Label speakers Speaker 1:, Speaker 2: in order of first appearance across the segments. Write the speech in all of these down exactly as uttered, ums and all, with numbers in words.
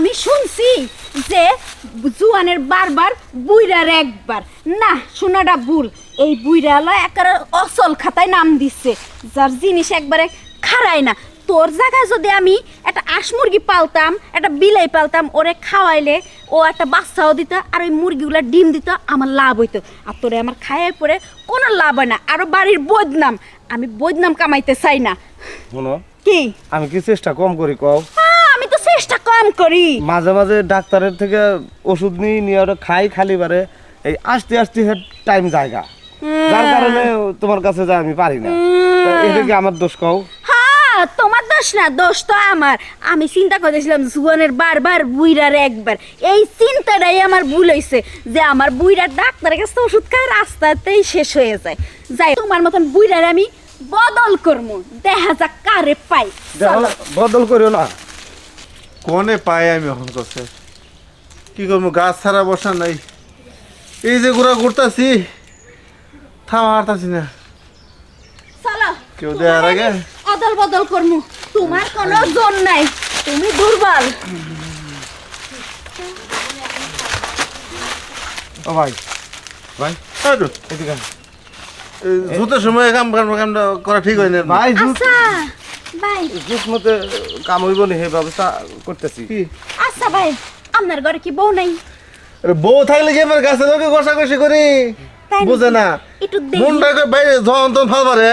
Speaker 1: আমি শুনছি যে জুয়ানের বারবার বুইরার একবার না শোনাটা ভুল এই বুইরা হলো একেবারে অসল খাতায় নাম দিচ্ছে যার জিনিস একবারে খারায় না তোর জায়গায় যদি আমি একটা হাঁস মুরগি পালতাম একটা বিলাই পালতাম ওরে খাওয়াইলে ও একটা বাচ্চাও দিত আর ওই মুরগিগুলো ডিম দিত আমার লাভ হইতো আর তোরে আমার খাইয়ে পরে কোনো লাভ হয় না আরো বাড়ির বদনাম আমি বদনাম কামাইতে চাই না
Speaker 2: শোনো
Speaker 1: কি
Speaker 2: আমি কি চেষ্টা কম করি কও
Speaker 1: আমি তো চেষ্টা কম করি
Speaker 2: মাঝে মাঝে ডাক্তারের থেকে ওষুধ নিয়ে নিয়ে ওটা খাই খালি বারে এই আস্তে আস্তে টাইম জায়গা যার কারণে তোমার কাছে যা আমি পারি না এটা কি আমার দোষ কও
Speaker 1: তোমার দোষ না দোষ তো আমার আমি চিন্তা করেছিলাম জুয়ানের বারবার বুইরার একবার এই চিন্তাটাই আমার ভুল হয়েছে যে আমার বুইরার ডাক্তারের কাছে ওষুধ খায় রাস্তাতেই শেষ হয়ে যায় যাই তোমার মতন বুইরার আমি বদল করবো দেখা যাক কারে পাই
Speaker 2: বদল করিও না
Speaker 3: কোনে পাই আমি এখন কাছে কি করবো গাছ ছাড়া বসা নাই এই যে ঘোরা ঘুরতাছি থামা হারতাছি না
Speaker 1: চলো
Speaker 3: কেউ দেওয়ার আগে
Speaker 1: অদল বদল করমু তোমার কোনো জোর নাই তুমি দুর্বল
Speaker 2: ও ভাই ভাই এদিকে
Speaker 3: জুতের সময় কাম কাম কামটা করা ঠিক হয় না
Speaker 2: ভাই
Speaker 1: আচ্ছা ভাই
Speaker 2: জুত মতে কাম হইব নি হে ব্যবস্থা করতেছি
Speaker 3: কি
Speaker 1: আচ্ছা ভাই আপনার ঘরে কি বউ নাই
Speaker 3: আরে বউ থাকলে কি আমার গাছের লোকে কষাকষি করি
Speaker 1: তাই নাকি?
Speaker 3: বুঝে না
Speaker 1: একটু দেখি।
Speaker 3: মনটা করে বাইরে যখন তখন ফাল পারে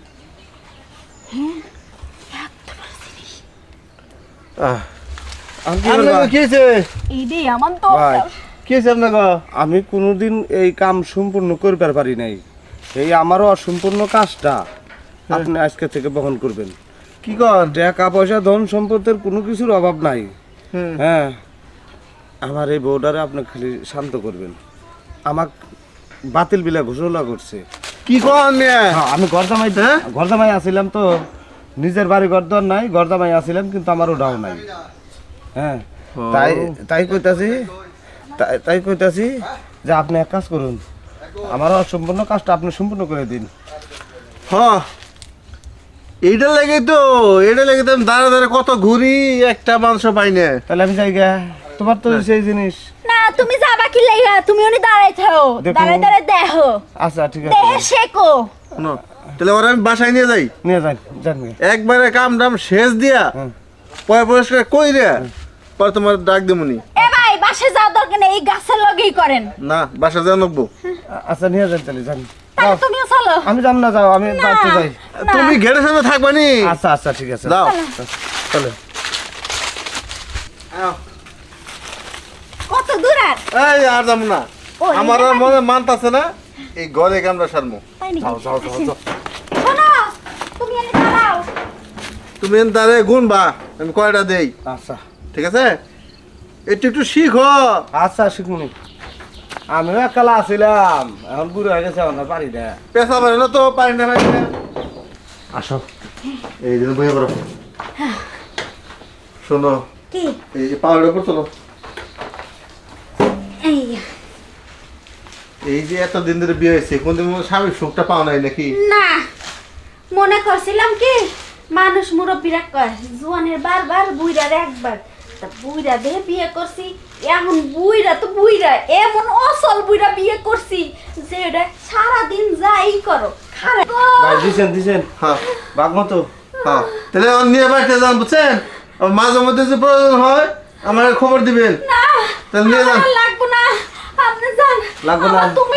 Speaker 3: আহ,
Speaker 2: আমি কি
Speaker 3: আপনার
Speaker 2: করবা?
Speaker 3: কি হয়েছে
Speaker 1: এই রে আমার তো
Speaker 2: ভাই
Speaker 3: কি হয়েছে আপনার
Speaker 2: আমি কোনোদিন এই কাম সম্পূর্ণ করতে পারি নাই এই আমারও অসম্পূর্ণ কাজটা আপনি আজকে থেকে বহন করবেন
Speaker 3: কি কর
Speaker 2: টাকা পয়সা ধন সম্পদের কোনো কিছুর অভাব নাই
Speaker 3: হুম।
Speaker 2: হ্যাঁ আমার এই বউডারে আপনি খালি শান্ত করবেন আমাক বাতিল বিলা ঘোষণা করছে
Speaker 3: কি কর মেয়ে
Speaker 2: হ্যাঁ, আমি গরজামাই
Speaker 3: হ্যাঁ?
Speaker 2: গরজামাই আসিলাম তো নিজের বাড়ি গরদর নাই গরজামাই আসিলাম কিন্তু আমার ওটাও নাই হ্যাঁ তাই তাই কইতাছি তাই তাই কইতাছি যে আপনি এক কাজ করুন আমার অসম্পূর্ণ কাজটা আপনি সম্পূর্ণ করে দিন
Speaker 3: হ্যাঁ এইটা লেগে তো এটা লেগে তো আমি দাঁড়া দাঁড়া কত ঘুরি একটা মাংস পাই না
Speaker 2: তাহলে আমি যাই গা তোমার তো সেই জিনিস
Speaker 1: না তুমি যাবা কি লাইগা তুমি উনি দাঁড়াই থাও
Speaker 2: দেখো।
Speaker 1: দাঁড়াই দাঁড়াই দেখো
Speaker 2: আচ্ছা ঠিক
Speaker 1: দেহে
Speaker 2: আছে
Speaker 1: শেখো
Speaker 3: শোনো, তাহলে ওরা আমি বাসায় নিয়ে যাই
Speaker 2: নিয়ে যান যান গে।
Speaker 3: একবারে কাম টাম শেষ দিয়া
Speaker 2: হুম।
Speaker 3: পয় পরিষ্কার কই রে পরে তোমার ডাক দেবনি
Speaker 1: এ ভাই বাসে যাওয়ার দরকার নেই এই গাছের লগেই করেন
Speaker 3: না বাসা যা নকবো
Speaker 2: আচ্ছা নিয়ে যান তাহলে যান
Speaker 1: তাহলে
Speaker 2: যাও।
Speaker 1: তুমিও চলো
Speaker 2: আমি যাম না যাও আমি
Speaker 1: না।
Speaker 2: বাড়তে যাই
Speaker 1: না।
Speaker 3: তুমি ঘেরে সামনে থাকবা নি
Speaker 2: আচ্ছা আচ্ছা ঠিক আছে
Speaker 3: যাও
Speaker 2: চলো
Speaker 1: কত দূর আর
Speaker 3: এই আর যাবো না
Speaker 1: ও, এই
Speaker 3: আমার আর
Speaker 1: ব্যাপার?
Speaker 3: মনে মানতাছে না এই ঘরে কামড়া সারমো
Speaker 1: তাই নাকি?
Speaker 3: যাও যাও যাও যাও
Speaker 1: শোনো তুমি এনে দাঁড়াও
Speaker 3: তুমি এন তারে গুনবা আমি কয়টা দেই
Speaker 2: আচ্ছা
Speaker 3: ঠিক আছে একটু একটু শিখো
Speaker 2: আচ্ছা শিখুনি আমিও একালা আছিলাম এখন বুড়ো হয়ে গেছে আমার পারি না
Speaker 3: পেশা পারে না তো পারি না পারি না
Speaker 2: আসো
Speaker 3: এই দিন বইয়া করো শোনো
Speaker 1: কি
Speaker 3: এই যে পাউডার উপর চলো
Speaker 1: এই
Speaker 3: এই যে এত দিন ধরে বিয়ে হয়েছে কোনদিন মনে হয় স্বামীর সুখটা পাওয়া নাই নাকি
Speaker 1: না মনে করছিলাম কি মানুষ মুরব্বীরা কয় জোয়ানের বারবার বুইরার একবার তা বুইরা দেহে বিয়ে করছি এখন বুইরা তো বুইরা এমন অসল বুইরা বিয়ে করছি যে এটা সারাদিন যাই করো খারাপ
Speaker 2: ভাই দিছেন দিছেন
Speaker 3: হ্যাঁ
Speaker 2: বাঘ মতো
Speaker 3: হ্যাঁ তাহলে আমার নিয়ে বাড়িতে যান বুঝছেন আর মাঝে মধ্যে যে প্রয়োজন হয় আমার খবর দিবেন
Speaker 1: না
Speaker 3: তাহলে নিয়ে যান
Speaker 1: আমার লাগবো না আপনি যান
Speaker 2: লাগবো না?
Speaker 1: আমার তুমি